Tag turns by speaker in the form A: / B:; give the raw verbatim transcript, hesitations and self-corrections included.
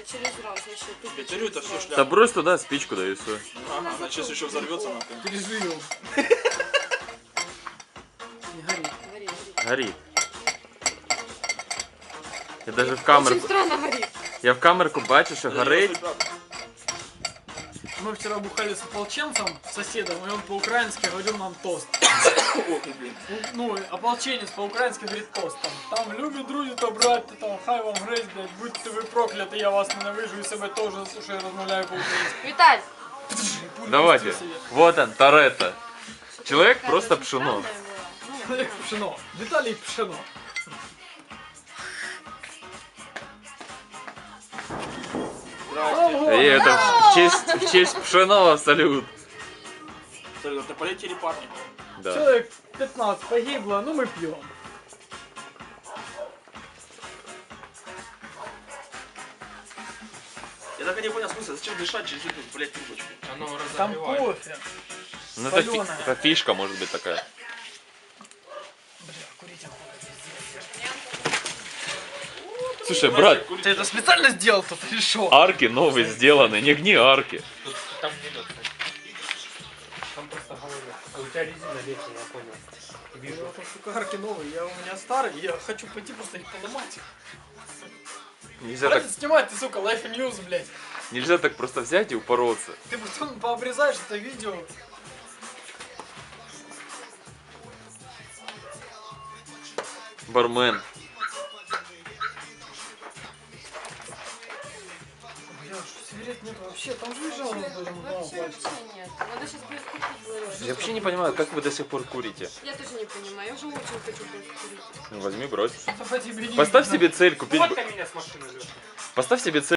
A: через раз вообще.
B: Пятерю это все шляпа.
C: Да брось туда спичку, да и все.
B: Ага, она сейчас еще взорвется нахуй.
D: Переживем. Не горит.
A: Гори, гори.
C: Горит. Я даже в
A: Очень
C: камерку.
A: странно горит.
C: Я в камерку бачу, що горить.
D: Мы вчера бухали с ополченцем, соседом, и он по-украински говорил нам тост.
B: Ох, блин.
D: Ну, ополченец по-украински говорит тост. Там, там любі друзі та браття, там, хай вам грець, блядь, будьте ви прокляті, я вас ненавижу і себе теж, що я розмовляю по-українськи.
A: Виталь!
C: Давайте. Вот он, Торетто. Человек просто пшено.
D: Як пшено. Віталій пшено.
B: Здрасте.
C: И это в честь, в честь пшеного салют.
B: Салют, это полетели парни.
C: Да.
D: Человек пятнадцать погибло, ну мы пьем.
B: Я так и не понял смысла, зачем дышать через эту, блядь, трубочку?
D: Там кофе.
C: Ну это, фи-
D: Палёная.
C: это фишка может быть такая.
D: Бля, курить охота.
C: Слушай, брат,
D: Ты это специально сделал тут или шо?
C: арки новые сделаны, не гни арки.
E: Там не идет. Там просто головня. А у тебя резина летняя, я понял. Вижу.
D: Это, сука, арки новые, я у меня старый, я хочу пойти просто их поломать.
C: Нельзя так,
D: Хватит снимать, ты, сука, Life and News, блядь.
C: нельзя так просто взять и упороться.
D: Ты потом пообрезаешь это видео.
C: Бармен.
D: Бля, что сигарет нет вообще, там же лежал на этом
A: Вообще, вообще нет. Надо сейчас будет купить было.
C: Я вообще не понимаю, как вы до сих пор курите.
A: Я тоже не понимаю, я уже очень хочу бросить курить.
C: Ну, возьми, брось.
D: Что-то по тебе не
C: Поставь
D: видно.
C: себе цель купить.
E: Фоткай меня с машины, Леша.
C: Поставь себе цель.